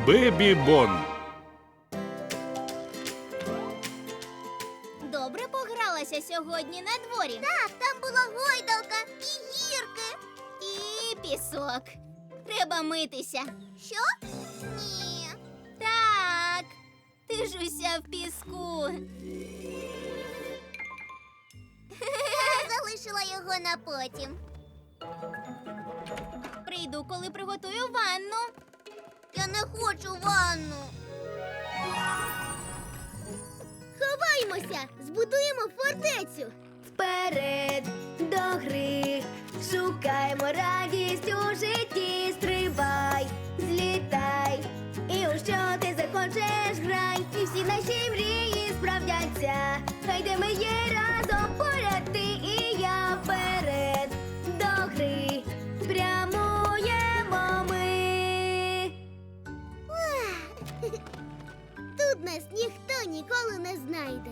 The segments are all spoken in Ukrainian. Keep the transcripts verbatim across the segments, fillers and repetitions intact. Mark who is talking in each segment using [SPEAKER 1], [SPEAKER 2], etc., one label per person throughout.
[SPEAKER 1] Бебі Бон.
[SPEAKER 2] Добре погралася сьогодні на дворі.
[SPEAKER 3] Так, там була гойдалка і гірки.
[SPEAKER 2] І пісок. Треба митися.
[SPEAKER 3] Що? Ні.
[SPEAKER 2] Так, ти ж уся в піску.
[SPEAKER 3] Я залишила його на потім.
[SPEAKER 2] Прийду, коли приготую ванну.
[SPEAKER 3] Я не хочу ванну. Ховаймося! Збудуємо фортецю.
[SPEAKER 4] Вперед до гри, шукаємо радість у житті, стрибай, злітай, і у що ти захочеш грай, і всі наші мрії справдяться, хай де ми є разом поряд ти і я, вперед до гри, прямуємо ми.
[SPEAKER 3] Тут нас ніхто ніколи не знайде.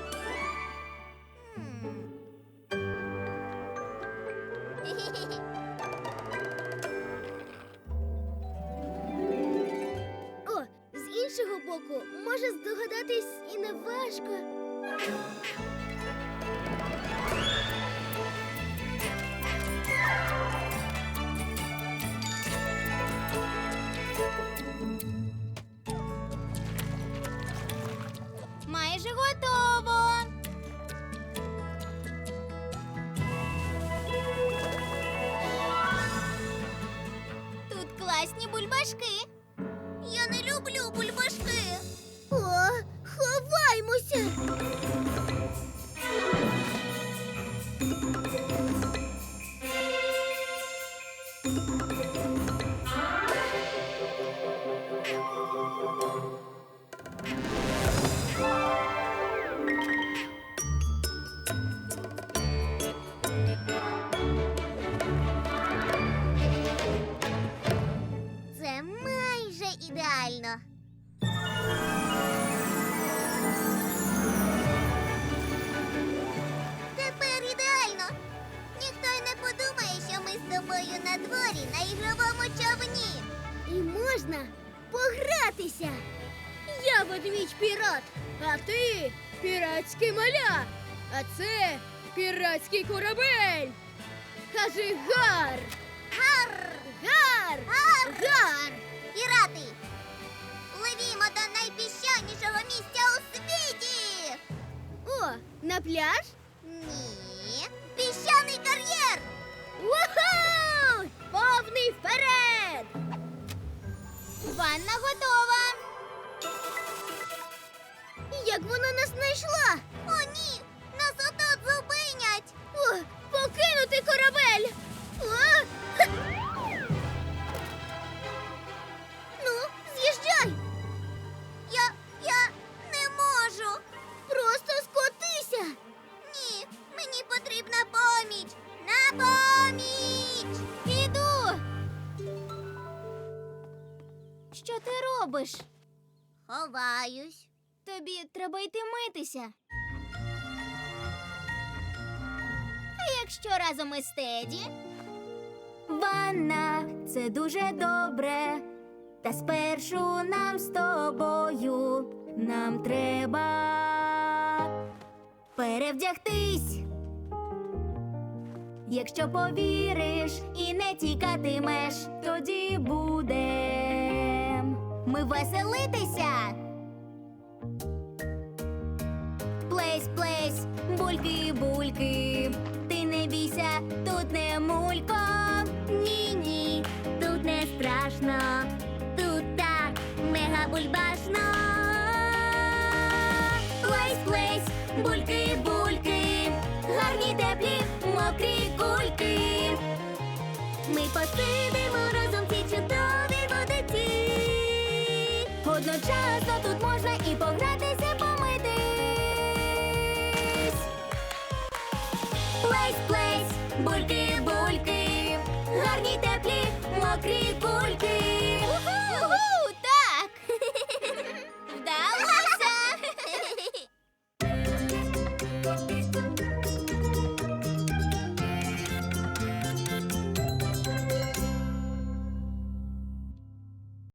[SPEAKER 3] О, з іншого боку, може здогадатись і не важко.
[SPEAKER 2] Майже готово. Тут класні бульбашки.
[SPEAKER 3] Я не люблю бульбашки. О, ховаймося. Це майже ідеально. Тепер ідеально. Ніхто й не подумає, що ми з тобою на дворі на ігровому човні. І можна погратися. Я ведмідь пірат, а ти піратський маля. А це піратський корабель. Кажи гар! Гар! Гар! Гар! Гар! Пірати! Пливімо до найпіщанішого місця у світі! О, на пляж? Ні. Піщаний кар'єр! Уху! Повний вперед!
[SPEAKER 2] Ванна готова.
[SPEAKER 3] Як вона нас знайшла? О, ні! Нас отут зупинять! О, покинути корабель! О! Ха! Ну, з'їжджай! Я... я не можу! Просто скотися! Ні, мені потрібна поміч! На поміч!
[SPEAKER 2] Іду. Що ти робиш?
[SPEAKER 3] Ховаюсь.
[SPEAKER 2] Тобі треба йти митися. А якщо разом із Теді? Ванна – це дуже добре. Та спершу нам з тобою нам треба перевдягтись. Якщо повіриш і не тікатимеш, тоді будем ми веселитися. Плесь, плесь, бульки, бульки, ти не бійся, тут не мулько. Ні, ні, тут не страшно, тут так мега бульбашно. Плесь, плесь, бульки, бульки, гарні теплі, мокрі кульки. Ми посидимо разом в цій чудовій водиці. Одночасно тут можна і погратися, помитись. Плесь, плесь, бульки, бульки, гарні теплі, мокрі кульки.